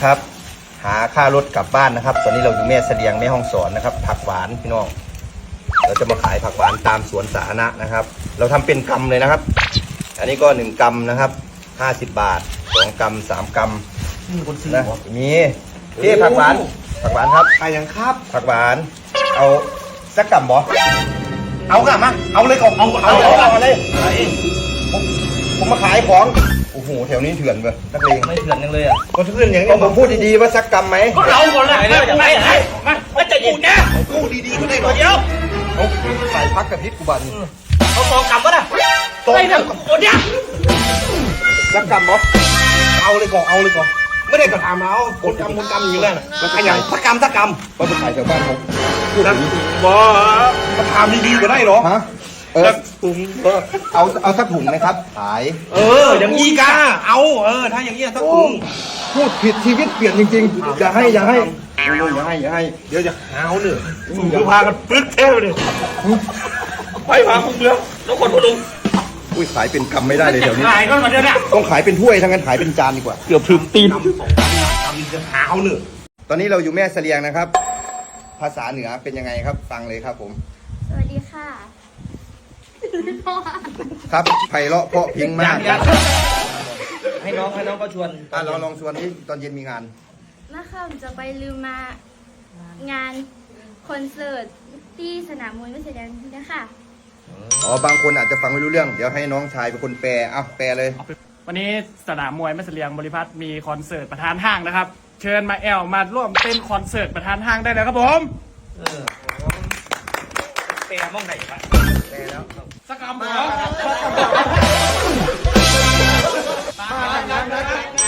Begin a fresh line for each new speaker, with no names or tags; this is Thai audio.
ครับหาค่ารถกลับบ้านนะครับตอนนี้เราอยู่แม่เสลียงแม่ห้องสอนนะครับผักหวานพี่น้องเราจะมาขายผักหวานตามสวนสาธารณะนะครับเราทำเป็นกำเลยนะครับอันนี้ก็1 กำนะครับ50 บาท2 กำ3 กำ
มีคนซื้อ
นะมีพี่ผักหวานครับ
ใครยังครับ
ผักหวานเอาสักกำบ่
เอากลับมาเอาเลยก่อนเอาเลย
ผมมาขายของโอ้โหแถวนี้เถื่อนเว้ยนักเลง
ไม่เถื่อนยังเลยอ่ะ
คนเพื่อนอย่าง
ก็
นี้
ผมพูดดีๆว่าสักกำไหม
ก็เราคนละไม่มาจะอยู่เนี่ย
กู้ดีๆก็ได้ก่อน
เดี๋ยว
เอาใส่พักกับพริกกูบัน
เขาตองกลับวะนะไม่เนี่ยคนเนี้ย
สักกำบ่
เอาเลยก่อนไม่ได้กระทำเอากดกำอยู่นั่นมันขยันสักกำ
ก็ไปขายแถวบ้านผม
นะบ่กระทำดีๆก็ได้เหรอ
ฮะ
ตุ้ง
เอาสักถุงนะครับขาย
อย่างนี้กาเอาถ้าอย่างนี้สักถุง
พูดผิดชีวิตเปลี่ยนจริงๆอย่าให้อย่าให้
เดี๋ยวจะหาวเนี่ยเดี๋ยวพากันปึกเท่เลยไปพาคุณเมืองแล้วคนพลุง
อุ้ยขายเป็นกำไม่ได้เลยเดี๋ยวนี้
ขายก็มาเดี๋ยวเนี่ย
ต้องขายเป็นถ้วยทั้งนั้นขายเป็นจานดีกว่า
เกือบถึงตีน
ทำจะหาวเนี่ย
ตอนนี้เราอยู่แม่เสลียงนะครับ ภาษาเหนือเป็นยังไงครับฟังเลยครับผม
สวัสดีค่ะ
ครับไพเราะเพราะพริ้งมาก
ให้น้องก็ชวน
เราลองชวนที่ตอนเย็นมีงาน
มาค่ะผมจะไปลืมมางานคอนเสิร์ตที่สนามมวยไม่เสียแดงนะคะ
อ๋อบางคนอาจจะฟังไม่รู้เรื่องเดี๋ยวให้น้องชายเป็นคนแปลแปลเลย
วันนี้สนามมวยแม่เสลียงบริพัตรมีคอนเสิร์ตประธานห้างนะครับ เชิญมามาร่วมเต้นคอนเสิร์ตประธานห้างได้เลยครับผม
เปย์มองไหนไป
แปลแล้ว
สักคำเหรอ